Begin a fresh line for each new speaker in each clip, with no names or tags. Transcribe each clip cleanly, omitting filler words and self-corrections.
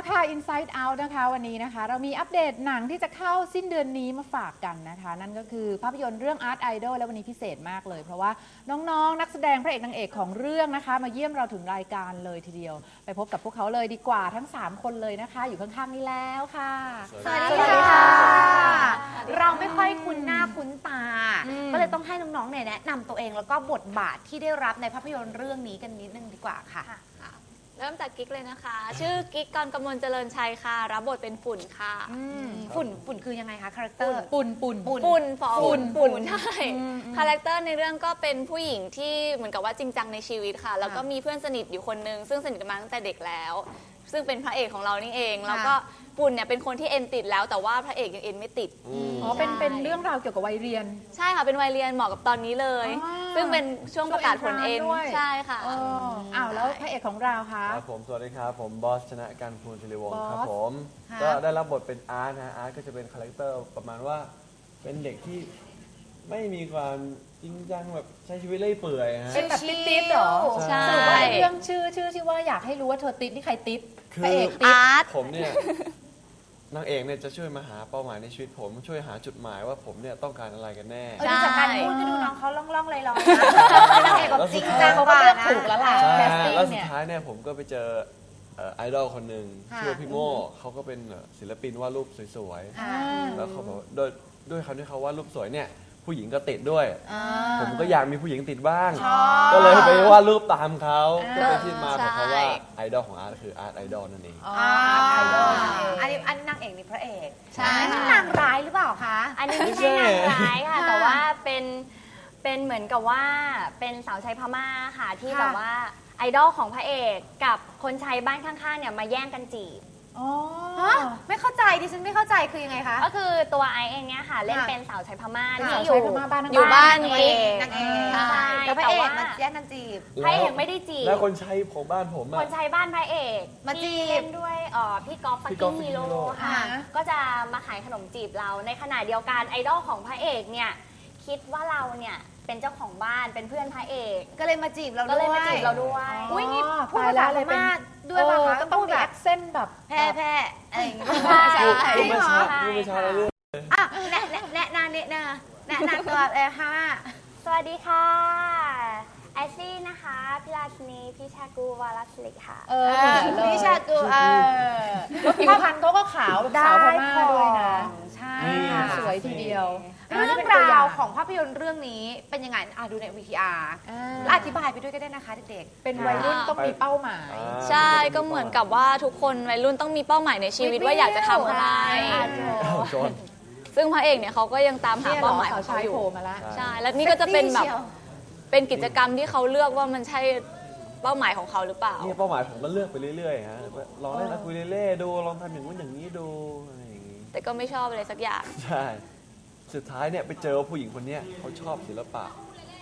ค่ะ Inside Out นะคะวันนี้นะคะเรามีอัปเดตหนังที่จะเข้าสิ้นเดือนนี้มาฝากกันนะคะนั่นก็คือภาพยนตร์เรื่อง Art Idol และวันนี้พิเศษมากเลยเพราะว่าน้องๆนักแสดงพระเอกนางเอกของเรื่องนะคะมาเยี่ยมเราถึงรายการเลยทีเดียวไปพบกับพวกเขาเลยดีกว่าทั้ง3คนเลยนะคะอยู่ข้างๆนี้แล้วค่ะ
สวัสดีค่ะเราไม่ค่อยคุ้นหน้าคุ้นตาก็เลยต้องให้น้องๆเนี่ยแนะนำตัวเองแล้วก็บทบาทที่ได้รับในภาพยนตร์เรื่องนี้กันนิดนึงดีกว่าค่ะ
เริ่มจากกิ๊กเลยนะคะ ชื่อกิ๊กกรกมลเจริญชัยค่ะ รับบทเป็นฝุ่นค่ะ
ฝุ่นคือยังไงคะคาแรคเตอร์
ปุ่น
ฝุ่นฟอฝุ่นใช่คาแรคเตอร์ในเรื่องก็เป็นผู้หญิงที่เหมือนกับว่าจริงจังในชีวิตค่ะ แล้วก็มีเพื่อนสนิทอยู่คนนึงซึ่งสนิทกันมาตั้งแต่เด็กแล้ว ซึ่งเป็นพระเอกของเรานี่เองแล้วก็ปุ่นเนี่ยเป็นคนที่เอ็นติดแล้วแต่ว่าพระเอกยังเอ็นไม่ติด
อ๋อเป็นเรื่องราวเกี่ยวกับวัยเรียน
ใช่ค่ะเป็นวัยเรียนเหมาะกับตอนนี้เลย ซึ่งเป็นช่วงประกาศผลเอ็นใช่ค่ะ
อ้าวแล้วพระเอกของเราคะ
ครับผมสวัสดีครับผมบอสชนะการภูลศิริวงศ์ครับผม
ค่ะ
ก็ได้รับบทเป็นอาร์ตนะอาร์ตก็จะเป็นคาแรคเตอร์ประมาณว่าเป็นเด็กที่ไม่มีความจริงจังแบบใช้ชีวิตเล่อยเปื่อยฮะ
เป็นแบบติ๊ดๆเหรอ
ใช่
สรุปว่าเรื่องชื่อที่ว่าอยากให้รู้ว่าเธอติ๊ดนี่ใครติ๊ด
คื
พระ
อ
เอกติ๊ด
อาร์ต
ผมเนี่ยนางเอกเนี่ยจะช่วยมาหาเป้าหมายในชีวิตผมช่วยหาจุดหมายว่าผมเนี่ยต้องการอะไรกันแน่
ดูจากการพูดก็ดูน้องเขาล่องๆลอยๆนางเอกแบบจริงจัง
เขา
ก
ก็
ว่า
เลือก
นะ
ถูกแล้วล่ะ
ใช่
แคสติ้ง
แล้วสุ
เนี่
ด
ย
ท้ายเนี่ยผมก็ไปเจอไอดอลคนหนึ่ง
ค่ะ
ชื่อว่าพี่โม่เขาก็เป็นศิลปินวาดรูปสวย
อ่า
ๆแล้วเขาบอกว่าด้วยคำที่เขาวาดรูปสวยเนี่ยผู้หญิงก็ติดด้วย ผมก็อยากมีผู้หญิงติดบ้าง ก็เลยไปวาดรูปตามเขาก็เป็นที่มาของคำว่าไอดอลของอาร์ตคืออาร์ตไอดอลนั่นเอง
ไอดอล
อันนี้นางเอกนี่พระเอก
ใช่
อันนี้นางร้ายหรือเปล่าคะ
อันนี้ไม่ใช่นางร้ายค่ะ แต่ว่าเป็นเหมือนกับว่าเป็นสาวใช้พม่าค่ะที่
ค่ะ
แบบว่าไอดอลของพระเอกกับคนใช้บ้านข้างๆเนี่ยมาแย่งกันจีบ
อ๋อ
ฮะไม่เข้าใจดิฉันไม่เข้าใจคือยังไงคะ
ก็คือตัวไอเองเนี่ยค่ะ เล่น
ค่ะ
เป็นสาวใช้พม่า
ค่ะ
ที่
ใช้พม่าบ้าน
อยู่บ้าน
นาง
กิ๊
เอก กนางเอก
ใช่
แล้วพระเอก
แต่ว่า
มาแย่งกันจีบ
พระเอกไม่ได้จีบ
แล้วคนใช้ของบ้านผม
ค
อะ
นใช้บ้านพระเอก
มาจีบ
ที่เล่นด้วยพี่ก๊อฟฟัก
พี่ก๊อ
กิ้
ฟ
งฮีโร่
Fucking Hero
ค่ะ
อ่า
ก็จะมาขายขนมจีบเราในขณะเดียวกันไอดอลของพระเอกเนี่ยคิดว่าเราเนี่ยเป็นเจ้าของบ้านเป็นเพื่อนพระเอก
ก็เลยมาจีบเรา
ก็
ด้วย
เลยมาจีบเราด้วย
อุ้ยนี่พูด
ตาย
ภา
แล้
ษาว พ
เลยเป็น
ม่าด้วยป่ะคะ
ก็ต้องมี
แบ
แอบ คเซนต์แบบ
แพร่อะไรอย่างเงี้ย
ใช่
พูดไม่ชัด
ใช่
พูดไม่ชัดแล้วเรื่อง
อ่ะแนะนำตัวเลยค่ะ
สวัสดีค่ะไอซี่นะคะพิราชนีพิชากูวารัสลิกค่ะ
พี่ชากู
แล้วผิวพรรณเขาก็ขาวแบบสาวพม่าด้วยนะ
ใช่
นี่
สวยทีเดียว
เรื่องราวของภาพยนตร์เรื่องนี้เป็นยังไงดูใน VTR แล้วอธิบายไปด้วยก็ได้นะคะเด็ก
เป็นวัยรุ่นต้องมีเป้าหมาย
ใช่ก็เหมือนกับว่าทุกคนวัยรุ่นต้องมีเป้าหมายในชีวิตว่าอยากจะทำอะไร
อ้าวโจร
ซึ่งพระเอกเนี่ยเขาก็ยังตามหา
เนี่ยเหร
เป้า
อ
หมายข
สา
อ
ว
ง
ชา
เขา
ย
อยู่
โผล่มาแล้ว
ใช่แล้วนี่ก็จะเป็นแบบ
เซ็กซี่เชียว
เป็นกิจกรรมที่เขาเลือกว่ามันใช่เป้าหมายของเขาหรือเปล่า
นี่เป้าหมายผมก็เลือกไปเรื่อยๆฮะลองเล่นอะคูเลเล่ดูลองทำอย่างนู้นอย่างนี้ดูอะไรอย่างนี้
แต่ก็ไม่ชอบอะไรสักอย่าง
ใช่สุดท้ายเนี่ยไปเจอผู้หญิงคนเนี้ยเขาชอบศิลปะ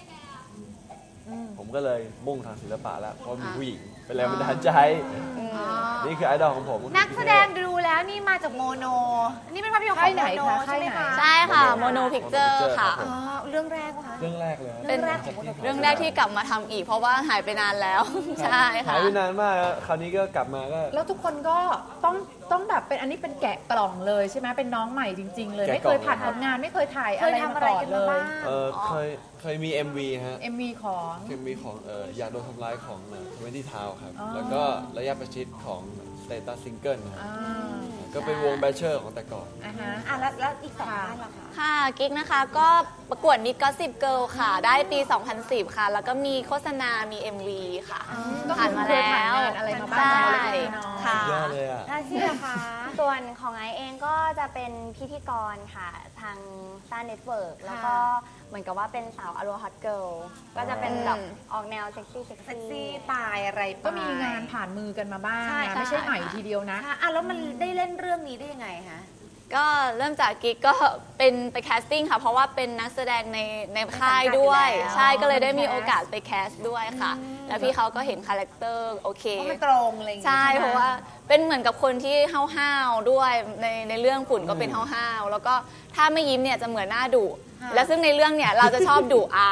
ผมก็เลยมุ่งทางศิลปะแล้วเพราะมีผู้หญิงเป็นแรงบันดาลใจ นี่คือไอดอลของผม
นักแสดงดูแล้วนี่มาจากโมโน นี่เป็นภาพยนตร์ของโมโนใช่ไหมคะ
ใช่ค่ะโมโนพิกเจอร์ค่ะ
อ๋อเรื่องแรกป่ะคะ
เรื่องแรกเลย
เป็นเรื่องแรกที่กลับมาทำอีก เพราะว่าหายไปนานแล้ว ใช่
หา
ค่ะ
ยไปนานมากคราวนี้ก็กลับมาก็
แล้วทุกคนก็ต้องแบบเป็นอันนี้เป็นแกะกล่องเลยใช่ไหมเป็นน้องใหม่จริง ๆ เลย ไม่เคยผ่านผลงานไม่เคยถ่าย
เค
อะ
ย
ไร
ทำ
มา
อะไร
ก่อน
กัน
เล
มาย บ้าง
เคยมี MV ฮะ
MV ของ
เคยมีของอยากโดนทำร้ายของ20 Town ครับ
อ๋อ
แล้วก็ระยะประชิดของ Status Single นะ
อ่า
ก็เป็นวงแบชเชอร์ของแต่ก่อน
อ่าฮะ
แล้วอีกสองท่านล่ะคะ
ค่ะกิ๊กนะคะก็ประกวดมิดก็10 Girl ค่ะ ได้ปี 2010 ค่ะ แล้วก็มีโฆษณา มี MV ค่ะ
ก็
ผ่านมา
เคย
แล้
ผ่าน
ว
งานอะไรมาบ้าง
ใช่
เล็กๆน้อยๆ
ค่ะ
ยอดเลยอ่ะ
น่าเชื่อค่ะ
ส่วนของไอเองก็จะเป็นพิธีกรค่ะ ทางซ่าเน็ตเวิร์กแล้วก็เหมือนกับว่าเป็นสาวอโรฮอตเกิลก็จะเป็นแบบออกแนวเซ็กซี่
เซ็กซี่ปลายอะไรไป
ก็มีงานผ่านมือกันมาบ้าง
ใช่
นะไม่ใช่ใหม่ทีเดียวนะ
ค่ะแล้วมันได้เล่นเรื่องนี้ได้ยังไงคะ
ก็เริ่มจากกิ๊กก็เป็นไปแคสติ้งค่ะ เพราะว่าเป็นนักแสดงในค่ายด้วย
ในสังกัดอยู่แล้ว
ใช่ก็เลยได้มีโอกาสไปแคสด้วยค่ะ แล้วพี่เขาก็เห็นคาแรคเตอร์โอเค
เพราะมันตรงอะไรอย่างเงี้ย
ใช่
ไหม
เพราะว่าเป็นเหมือนกับคนที่ห้าวๆด้วยในเรื่องฝุ่นก็เป็นห้าวๆแล้วก็ถ้าไม่ยิ้มเนี่ยจะเหมือนหน้าดุและซึ่งในเรื่องเนี่ยเราจะชอบดุอาร์ต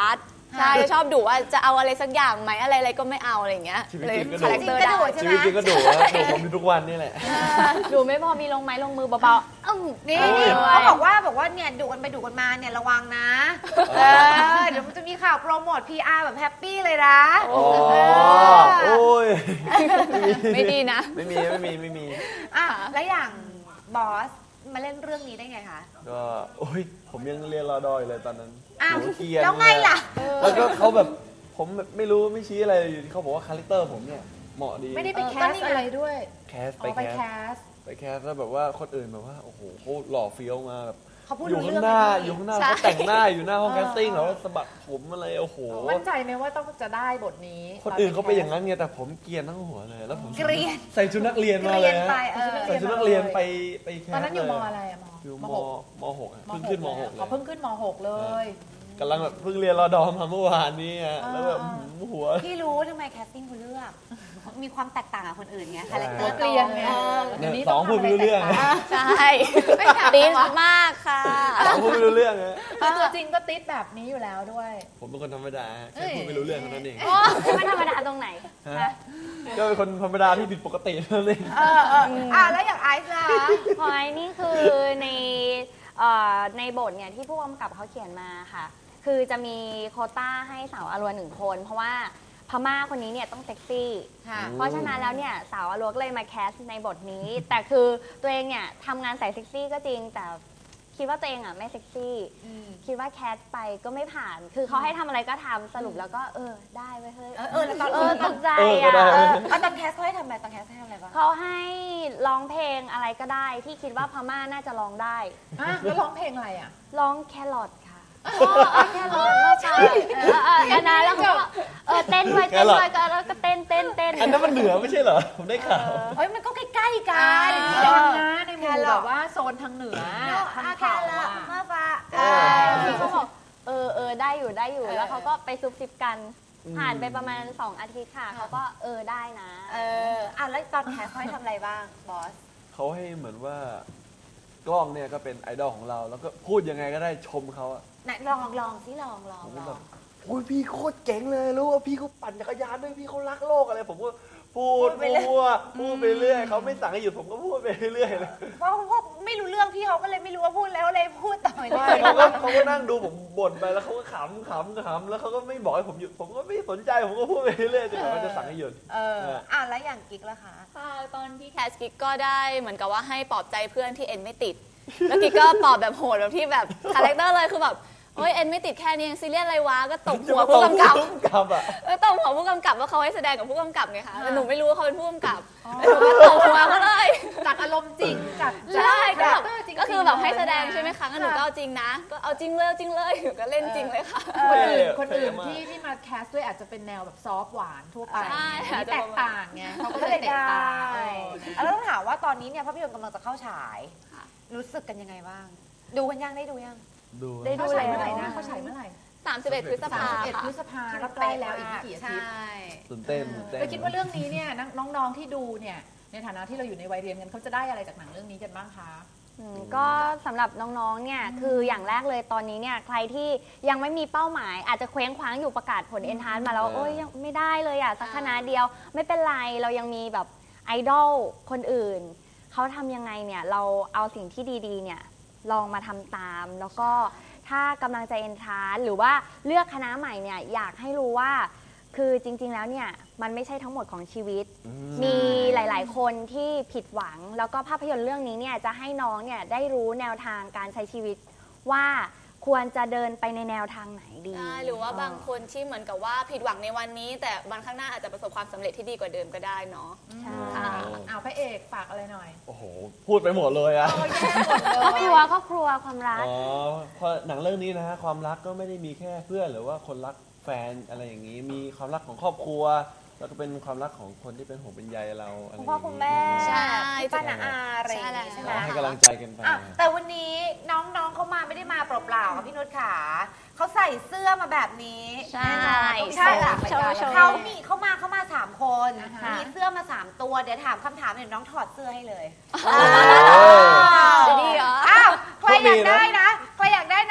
ใช่จะชอบดุว่าจะเอาอะไรสักอย่างไหมอะไรก็ไม่เอาอะไรอย่างเงี้ย
ชีวิต
เลย
จริงก็ดุ
คาแรคเตอร์ได้
ชีวิตจริงก็ดุนะดุผมอยู่ทุกวันนี่แหละ
ดูไม่พอมีลงไม้ลงมือเบาๆนี่
โอ้ย
เขาบอกว่าเนี่ยดุกันไปดุกันมาเนี่ยระวังนะเดี๋ยวมันจะมีข่าวโปรโมท PR แบบแฮปปี้เลยนะ
อ๋อโอ้ย
ไม่ดีนะ
ไม่มี
อ่ะแล้วอย่างบอสมาเล่นเรื่องนี้ได้ไงคะ
ก็โอ้ยผมยังเรียนรอดอยเลยตอนนั้น
อ้าว
หนูเกรียน
แล้วไงล่ะ
แล้วก็เขาแบบผมแบบไม่รู้ไม่ชี้อะไรอยู่ที่เขาบอกว่าคาแรคเตอร์ผมเนี่ยเหมาะดี
ไม่ได้ไปแค
ก็
ส
นี่ไง
อะไรด้วย
แคส
อ๋อไปแคส
ไปแคสแล้วแบบว่าคนอื่นแบบว่าโอ้โหเขาหล่อเฟี้ยวมาแบบ
เขาพูด
อยู่
รู้
ข้า
เรื่อง
งหน้า
ไหม
อยู่ข้างหน้า
ใช่
เขาแต่งหน้าอยู่หน้าห้องแคสติ้งแล้วสะบัดผมอะไรโอ้โห
มั่นใจไหมว่าต้องจะได้บทนี้
คนอื่นเขาไปนอย่างนั้นไงแต่ผมเกรียนทั้งหัวเลยแล้วผม
เกรียน
ใส่ชุดนักเรียนมา
เรี
เลย ย
น
ฮะ
ไป
ใส่ชุดนักเรียนไปแคส
ตอนนั้นอยู่
เล
มอะไรอะ
อยู่
ม
มหกอะเพิ่งขึ้นมหกเล
อ๋อย เพิ่งขึ้นม .6 เลย
กำลังแบบเพิ่งเรียนรอดอมาเมื่อวานนี้อะแล้วแบบหัว
พี่รู้ทำไมแคสติ้งคุณเลือก มีความแตกต่างกับคนอื่นไงคาแรคเตอร์
เกลียนไง
เนี่ย
เดี๋ยวนี้
สองพูดไม่รู้เรื่อง
ต้ทำะไแตกต่าง
ใช่ตีนมากค่ะ
สองพูดไม่รู้เรื่องฮะ
คือตัวจริงก็ติดแบบนี้อยู่แล้วด้วย
ผมเป็นคนธรรมดาแค่พูดไม่รู้เรื่องเท่านั้นเอง
ไม่ธรรมดาตรงไหน
ฮะก็เป็นคนธรรมดาที่ผิดปกติเท่านั้นเอง
แล้วอย่างไอซ์ล่ะ
พอยนี่คือในบทเนี่ยที่ผู้กำกับเขาเขียนมาค่ะ คือจะมีโควต้าให้สาวอรัว1 คน เพราะว่าพม่าคนนี้เนี่ยต้องเซ็กซี่
ค่ะ
เพราะฉะนั้นแล้วเนี่ยสาวอรัวก็เลยมาแคสในบทนี้ แต่คือตัวเองเนี่ยทำงานใส่เซ็กซี่ก็จริงแต่คิดว่าตัวเองอ่ะไม่เซ็กซี่ คิดว่าแคสไปก็ไม่ผ่าน คือเขาให้ทำอะไรก็ทำสรุปแล้วก็ได้เว้ยเฮ้ย
แล้วตอน
ตกใจ
ก็ได้
อ่ะ
ตอนแคสเขาให้ทำอะไรตอนแคสให้ทำอะไรบ้าง
เขาให้ร้องเพลงอะไรก็ได้ที่คิดว่าพม่าน่าจะร้องได้
แล้วร้องเพลงอะไรอ่ะ
ร้องแครอทค่ะแครอทไม่ใช่อันนั้นแล้วเขาก็เต้นไว้ก็แล้วก็เต้น
อันนั้นมันเหนือไม่ใช่เหรอ ผมได้ข่าว
เฮ้ยมันก็ใกล้ๆกัน
ดังนะในหมู่แบบว่าโซนทางเหนือทาง
แค่
เขา
ละ
อะ
เมื่อฟ้า
พี่เขาบอกได้อยู่แล้วเขาก็ไปซุบซิบกันผ่านไปประมาณ2 อาทิตย์ค่ะเขาก็ได้นะ
แล้วตอนแคสเขาให้ทำอะไรบ้างบอส
เขาให้เหมือนว่ากล้องเนี่ยก็เป็นไอดอลของเรา แล้วก็พูดยังไงก็ได้ชมเขาอะ
ไหนลองสิลอง
ผมก็แบบโอ้ยพี่โคตรเจ๋งเลยรู้ว่าพี่เขาปั่นจักรยานด้วยพี่เขารักโลกอะไรผมก็พูดไปเรื่อยเขาไม่สั่งให้หยุดผมก็พูดไปเรื่อยเลย
เพราะพวกไม่รู้เรื่องพี่เขาก็เลยไม่รู้ว่าพูดแล้วเลยพูดต่อไป
ไม่เขาก็นั่งดูผมบ่นไปแล้วเขาก็ขำแล้วเขาก็ไม่บอกให้ผมหยุดผมก็ไม่สนใจผมก็พูดไปเรื่อยจนกว่าเขาจะสั่งให้หยุด
แล้วอย่างกิ๊กล่ะคะ
ค่ะตอนที่แคสกิ๊กก็ได้เหมือนกับว่าให้ปลอบใจเพื่อนที่เอ็นไม่ติด แล้วกิ๊กก็ปลอบแบบโหดแบบที่แบบคาแรคเตอร์เลยคือแบบเฮ้ยเอ็นไม่ติดแค่นี้ยังซีเรียสอะไรวะก็ตบหัวผู้กำกับ
อ่ะ
ตบหัวผู้กำกับว่าเขาให้แสดงกับผู้กำกับไงคะแต่หนูไม่รู้ว่าเขาเป็นผู้กำกับแล้วหนูก็ตบหัวเขาเลย
จากอารมณ์จริงจาก
ใช่ก็แบบ
จริงๆ
ก็คือแบบให้แสดง
เลยนะ
ใช่ไหมคะงั้นหนูก็เอาจริงนะก็เอาจริงเลยหนูก็เล่นจริงเลยค่ะ
คนอื่นที่มาแคสด้วยอาจจะเป็นแนวแบบซอฟต์หวานทั่วไป
ใช่
อันนี้แตกต่างไงเขาก็เลยแตกต่าง
แล้วต้องถามว่าตอนนี้เนี่ยภาพยนตร์กำลังจะเข้าฉาย รู้สึกกันยังไงบ้าง ดูกันยังได้ดูยัง
ดู
ได้
เขาฉายเมื่อไหร่นะเขาฉายเมื่อไหร่
31 พฤษภา
31
ค่ะ
พฤษภาก็ใกล้แล้วอีกไม่กี่อาทิตย์
ตื่นเต้น
แล้วคิดว่าเรื่องนี้เนี่ยน้องๆที่ดูเนี่ยในฐานะที่เราอยู่ในวัยเรียนกันเขาจะได้อะไรจากหนังเรื่องนี้กันบ้างคะ
ก็สำหรับน้องๆ เนี่ยคืออย่างแรกเลยตอนนี้เนี่ยใครที่ยังไม่มีเป้าหมาย อาจจะเคว้งคว้างอยู่ประกาศผลเอนทรานซ์มาแล้วโอ้ยยังไม่ได้เลยอ่ะสักคณะเดียวไม่เป็นไรเรายังมีแบบไอดอลคนอื่นเขาทำยังไงเนี่ยเราเอาสิ่งที่ดีๆเนี่ยลองมาทำตามแล้วก็ถ้ากำลังจะเอนทรานซ์หรือว่าเลือกคณะใหม่เนี่ยอยากให้รู้ว่าคือจริงๆ แล้วเนี่ยมันไม่ใช่ทั้งหมดของชีวิต มีหลายๆ คนที่ผิดหวัง แล้วก็ภาพยนตร์เรื่องนี้เนี่ยจะให้น้องเนี่ยได้รู้แนวทางการใช้ชีวิตว่าควรจะเดินไปในแนวทางไหนดี
ใช่หรือว่าบางคนที่เหมือนกับว่าผิดหวังในวันนี้ แต่วันข้างหน้าอาจจะประสบความสำเร็จที่ดีกว่าเดิมก็ได้เนาะ
ใช่
เอาพระเอกฝากอะไรหน่อย
โอ้โหพูดไปหมดเลยอะ
ครอบครัวความรัก
อ๋อเพราะหนังเรื่องนี้นะฮะความรักก็ไม่ได้มีแค่เพื่อนหรือว่าคนรักแฟนอะไรอย่างนี้ มีความรักของครอบครัว แล้วก็เป็นความรักของคนที่เป็นห่วงเป็นใยเราอะไรอ
คุ
ย่า
ณ
ง
พ่อ
นี้
คุณแม่
ใช่
พี่ป้าน้าอาอะไรอย่างงี้
ใช่
ใช่ไหม
ให้กำลังใจกันไป
แต่วันนี้น้องๆเขามาไม่ได้มาเปล่าๆค่ะพี่นุชขาเขาใส่เสื้อมาแบบนี้
ใช่
ใช่ค่ะ
โชว์
เขามา3 คน
อ่าฮะ
มีเสื้อมา3 ตัวเดี๋ยวถามคำถามเดี๋ยวน้องถอดเสื้อให้เลย
จะดีเหรอ
อ้าวใครอยากได้นะใครอยากได้นะส่ง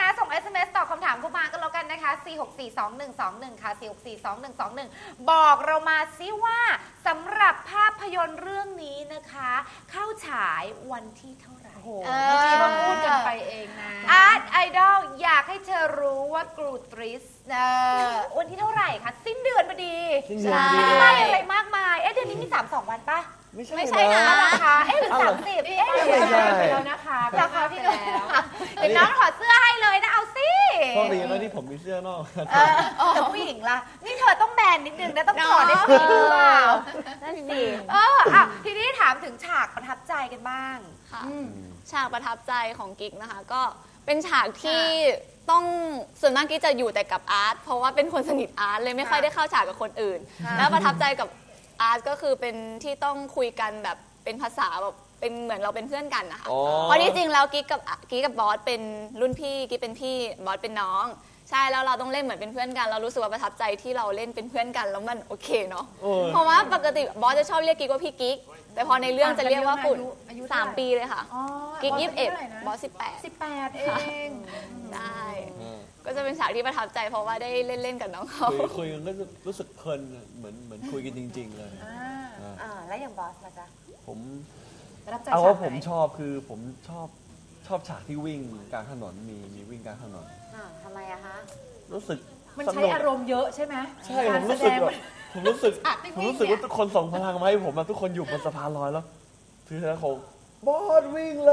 SMS ตอบคำถามเข้ามากันแล้วกันนะคะ 4642121 ค่ะ 4642121 บอกเรามาซิว่าสำหรับภาพยนตร์เรื่องนี้นะคะ เข้าฉายวันที่เท่าไหร่
โอ้โหเมื่อกี้เราพูดกันไปเองนะ
อาร์ตไอดอลอยากให้เธอรู้ว่ากรูตริสวันที่เท่าไหร่คะสิ้นเดือนพอดี
สิ้นเดือนพอดี
ไม่ได้อะไรมากมาย เดือนนี้มี 32 วันปะ
ไม่ใช่นะ
เอาราคาหรือ30หรือ
ไม่ใช่
ไปแล้วนะคะ
ราคาพี่หนุ่ม
แล้ว
เดี๋ยวน้องถอดเสื้อให้เลยนะเอาสิ
โชคดีนะที่ผมมีเสื้อนอก
แต่ผู้หญิงล่ะ นี่เธอต้องแบนนิดนึงนะต้องถอดได้ผู้หญิงหรือเปล่า
นั่นสิ
ทีนี้ถามถึงฉากประทับใจกันบ้าง
ค่ะฉากประทับใจของกิ๊กนะคะ ก็เป็นฉากที่ต้องส่วนมากกิ๊กจะอยู่แต่กับอาร์ตเพราะว่าเป็นคนสนิทอาร์ตเลยไม่ค่อยได้เข้าฉากกับคนอื่น แล้วประทับใจกับอาร์ตก็คือเป็นที่ต้องคุยกันแบบเป็นภาษาแบบเป็นเหมือนเราเป็นเพื่อนกันนะคะ
อ๋อ
เพราะที่จริงแล้วกิ๊กกับบอสเป็นรุ่นพี่กิ๊กเป็นพี่บอสเป็นน้อง ใช่แล้วเราต้องเล่นเหมือนเป็นเพื่อนกันเรารู้สึกว่าประทับใจที่เราเล่นเป็นเพื่อนกันแล้วมันโอเคเนาะ
โอ้ย
เพราะว่าปกติบอสจะชอบเรียกกิ๊กว่าพี่กิ๊กแต่พอในเรื่องจะเรียกว่าปุ่น
อายุเท่าไหร่
3 ปีเลยค่ะ
อ๋อ
กิ๊ก
บอส
21
ายุท่าไหร่นะ
บอส18
18 เอง
ได้
อ่า
ก็จะเป็นฉากที่ประทับใจเพราะว่าได้เล่นกับน้องเขา
คุยกันก็รู้สึกเพลินเหมือนคุยกันจริง ๆ เลย
อ่า
แล้วอย่างบอสล่ะจ๊ะ
ผม
ประทับใจ
เอาว่า
ฉก
ผม
ไหน
ชอบคือผมชอบฉากที่วิ่งกลางถนนมีวิ่งกลางถนน
ทำไมอะคะ
รู้สึก
มัน
ส
ใช้
นุก
อารมณ์เยอะใช่ไหม
ใช่
กา
ผมรู้
แส
สึก
ดง
แบบผมรู้สึก
ฉากที่
ผม
วิ่ง
รู้สึก
เนี่ย
ว่าทุกคนส่งพลังมาให้ผมอะทุกคนอยู่บนสะพานลอยแล้วถือธนาคงบอสวิ่งเลย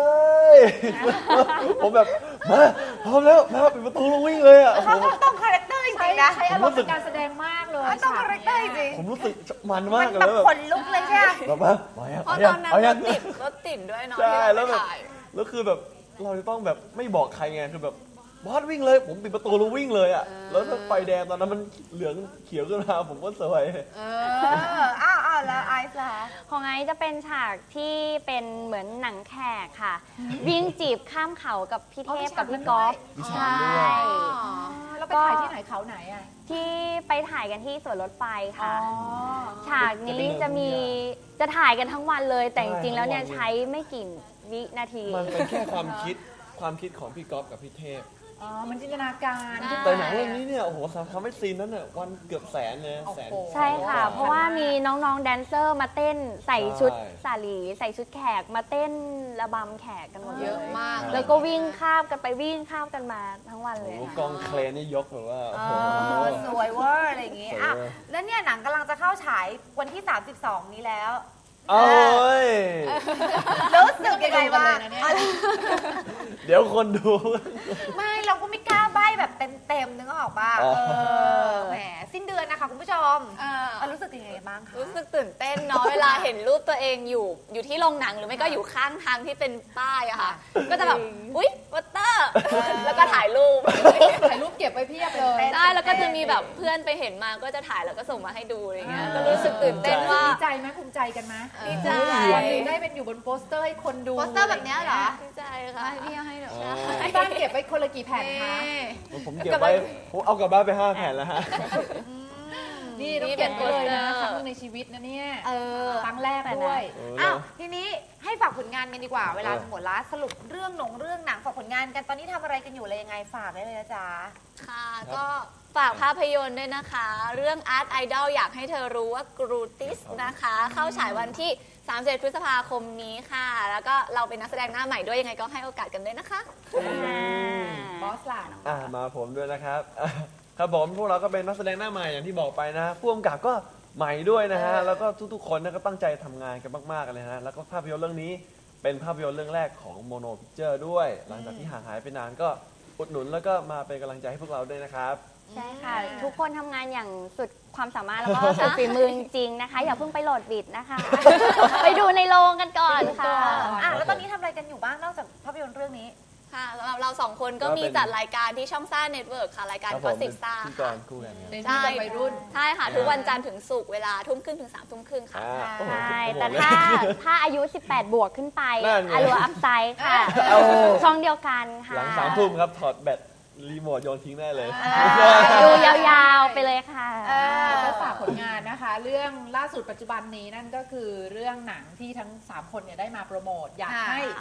ผมแบบมาพร้อมแล้วมาปิดประตูแล้ววิ่งเลยอ่ะโอ้โห
ต้องคาแรคเตอร์จ
ใช้
ริงๆนะ
ใช้อารมณ์ในการแสดงมากเลย
ต้อง
ฉ
คาก แรคเตอร์จริง
ผมรู้สึกมัน
ๆ
มา
มั
ก
น
เลย
แบบ
แบบ
ขนลุกเลยใช่ไหม
แบบว่ามายัง
เพราะ
เอา
ต
ยั
อง นนั้น
เอา
ร
ยัง
ถติดด้วยเนาะ
ใช่
ที่
แล้
เรา
ว
ไป
แบบ
ถ่าย
แล้วคือแบบเราจะต้องแบบไม่บอกใครไงคือแบบบอสวิ่งเลยผมปิดประตูแล้ววิ่งเลยอ่ะแล้วถ้าไฟแดงตอนนั้นมันเหลืองเขียวขึ้นมาผมก็สวย
อ้าวแล้วไอซ์ล่ะ
ของไอซ์จะเป็นฉากที่เป็นเหมือนหนังแขกค่ะ วิ่งจีบข้ามเขากับพี่เทพกับพี่ก๊อฟ
มีฉาก
ใช่
ด้วย
แล้วไปถ่ายที่ไหนเขาไหนอ่ะ
ที่ไปถ่ายกันที่สวนรถไฟ
อ๋อ
ค่ะ ฉากนี้จะถ่ายกันทั้งวันเลย แต่จริงๆแล้วเนี่ยใช้ไม่กี่วินาที
มันเป็นแค่ความคิดของพี่ก๊อฟกับพี่เทพ
อ๋อ มันจินตนาการ
ใช่
แต่หนังเรื่องนี้เนี่ยโอ้โหทำให้ซีนนั้นเนี่ยวันเกือบแสนเลยแสน
โอ้โห
ใช่ค่ะ เพราะว่ามีน้องๆแดนเซอร์มาเต้นใส่ชุด
ใช่
สาลีใส่ชุดแขกมาเต้นระบำแขกกันหมดเลย
เยอะมาก
แล้วก็วิ่งข้ามกันไปวิ่งข้ามกันมาทั้งวันเล
โอ้
ย
โห
ค่ะ
กองเคลนนี่ยกแบบว่าโอ้โห
สวยเวอร์อะไรอย่างงี้
สวย
อ่ะ
เวอร์
แล้วเนี่ยหนังกำลังจะเข้าฉายวันที่ 32 นี้แล้ว
โอ้ย
รู้สึกยังไงบ้าง
ดูกันเลยนะเนี่ย
เดี๋ยวคนดู
ไม่เราก็ไม่กล้าใบ้แบบเต็มๆนึกออกป่ะ
อ๋อ
แหมสิ้นเดือนนะคะคุณผู้ชมรู้สึกยังไงบ้างคะ
รู้สึกตื่นเต้นเนาะเวลาเห็นรูปตัวเองอยู่ที่โรงหนังหรือไม่ก็อยู่ข้างทางที่เป็นป้ายอะค่ะ ก็จะแบบอุ๊ยวัตเตอร์แล้วก็ถ่ายรูป
ถ่ายรูปเก็บไว้เพียบเลย
ใช่แล้วก็จะมีแบบเพื่อนไปเห็นมาก็จะถ่ายแล้วก็ส่งมาให้ดูอะไรเงี้ยก็รู้สึกตื่นเต้นว่า
ดีใจไหมภูมิใจกันไหม
ดีใจ
วันหนึงได้เป็นอยู่บนโปสเตอร์ให้คนดู
โปสเตอร์แบบเนี้ยเหรอ
ดีใจค่ะพี่ให้หนู
ที่บ้านเก็บไว้คนละกี่แผ่นคะ
ผมเก็บไว้ผมเอากลับบ้านไป5 แผ่นแล้วฮะ
นี่ต้องเก็บไว้เลยนะครั้งหนึงในชีวิตนะเนี่ยครั้งแรกด้วย
อ้าวทีนี้ให้ฝากผลงานกันดีกว่า เวลาหมดละสรุปเรื่องหนังฝากผลงานกันตอนนี้ทำอะไรกันอยู่อะไรยังไงฝากได้เลยนะจ๊ะ
ค่ะก็ฝากภาพยนตร์ด้วยนะคะ เรื่อง Art Idol อยากให้เธอรู้ว่ากรูติสนะคะ เข้าฉายวันที่31พฤษภาคมนี้ค่ะ แล้วก็เราเป็นนักแสดงหน้าใหม่ด้วยยังไงก็ให้โอกาสกันด้วยนะคะ
บอสล่ะ
มาผมด้วยนะครับ ครับผมพวกเราก็เป็นนักแสดงหน้าใหม่อย่างที่บอกไปนะผู้กำกับก็ใหม่ด้วยนะฮะแล้วก็ทุกๆคนนะก็ตั้งใจทำงานกันมากๆเลยนะแล้วก็ภาพยนตร์เรื่องนี้เป็นภาพยนตร์เรื่องแรกของโมโนพิกเจอร์ด้วย หลังจากที่ห่างหายไปนานก็อุดหนุนแล้วก็มาเป็นกำลังใจให้พวกเราด้วยนะครับ
ใช่ค่ะ ทุกคนทำงานอย่างสุดความสามารถแล้วก็สุดฝีมือจริงๆนะคะ อย่าเพิ่งไปโหลดบิดนะคะ ไปดูในโรงกันก่อนค่ะ
แล้วตอนนี้ทำอะไรกันอยู่บ้างนอกจากภาพยนตร์เรื่องนี้
ค่ะสำหรับเราสองคนก็มีจัดรายการที่ช่องซ่าเน็ตเวิร์กค่ะ รายการ
ครับ
ก็
ผม
สิบซ่า
ที่กรคู่กันครับ
ในที่เป็นวัยรุ่น
ใช่ค่ะ ทุกวันจันทร์ถึงศุกร์เวลาทุ่มครึ่งถึง3 ทุ่มครึ่งค่ะ
โอ้โห
ใช่
โอ้โห
แต่ถ้าอายุ 18 บวกขึ้นไป
นั่นไง
อลัวอัพไซด์ค่ะ
โอ้โห
ช่องเดียวกันค่ะ
หลัง3 ทุ่มครับถอดแบตรีโมทโยนทิ้งได้เลย
ดูยาวๆไปเลยค่ะ
ก็ฝากผลงานนะคะ เรื่องล่าสุดปัจจุบันนี้นั่นก็คือเรื่องหนังที่ทั้ง 3 คนเนี่ยได้มาโปรโมท อยากให้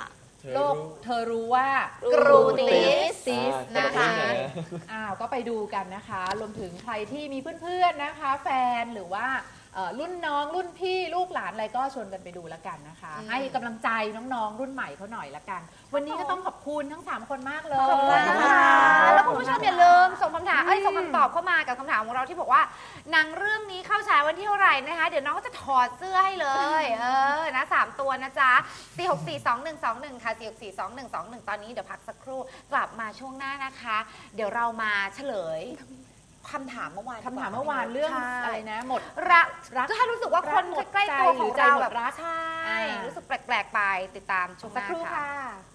โลกเธอรู้ว่า
กรูติส
ซิส
นะ
นะคะ
คะ
ก็ไปดูกันนะคะ รวมถึงใครที่มีเพื่อนๆนะคะ แฟนหรือว่ารุ่นน้องรุ่นพี่ลูกหลานอะไรก็ชวนกันไปดูแล้วกันนะคะ ให้กำลังใจน้องๆ รุ่นใหม่เขาหน่อยละกัน วันนี้ก็ต้องขอบคุณทั้ง 3 คนมากเลย
ขอบคุณนะคะแล้วคุณผู้ชมอย่าลืมส่งคำถามส่งคำตอบเข้ามากับคำถามของเราที่บอกว่าหนังเรื่องนี้เข้าฉายวันที่เท่าไหร่นะคะ เดี๋ยวน้องก็จะถอดเสื้อให้เลยนะ3ตัวนะจ๊ะ4642121ค่ะ4642121ตอนนี้เดี๋ยวพักสักครู่กลับมาช่วงหน้านะคะ เดี๋ยวเรามาเฉลยคำถามเมื่อวาน
คำถามเมื่อวานเรื่อง
ใช่
อะไรนะ หมด
รัก
รัก
ก็ถ้ารู้สึกว่าคน
หมด
ใกล้ๆตัว
ใจห
ข
รือ อง ใจ
เรา
หม
แบ
ด
บ
รัก
ใช่
อ่ารู้
รู้สึกแปลกๆไปติดตามช่วงห
สัก
น้า
ครู่
ค่ะ
ค่ะ